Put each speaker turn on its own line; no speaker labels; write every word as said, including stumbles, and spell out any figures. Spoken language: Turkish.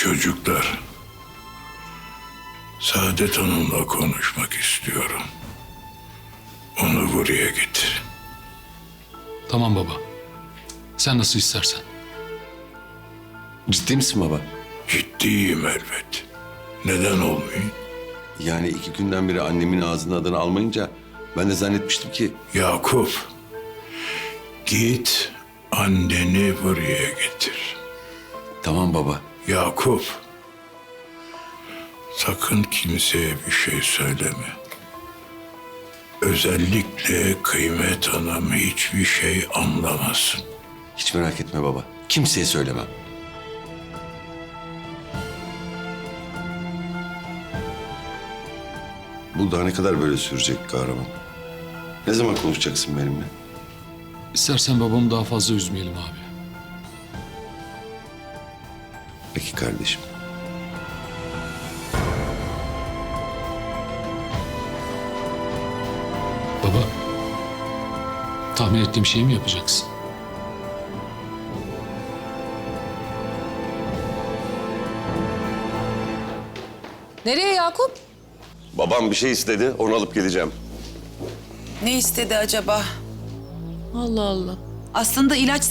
Çocuklar, Saadet Hanım'la konuşmak istiyorum. Onu buraya getir.
Tamam baba. Sen nasıl istersen.
Ciddi misin baba?
Ciddiyim elbet. Neden olmayayım?
Yani iki günden beri annemin ağzının adını almayınca ben de zannetmiştim ki...
Yakup, git anneni buraya getir.
Tamam baba.
Yakup, sakın kimseye bir şey söyleme. Özellikle Kıymet Hanım hiçbir şey anlamasın.
Hiç merak etme baba. Kimseye söylemem. Bu daha ne kadar böyle sürecek kahraman? Ne zaman konuşacaksın benimle?
İstersen babamı daha fazla üzmeyelim abi.
Peki kardeşim.
Baba, tahmin ettiğim şeyi mi yapacaksın?
Nereye Yakup?
Babam bir şey istedi, onu alıp geleceğim.
Ne istedi acaba?
Allah Allah.
Aslında ilaç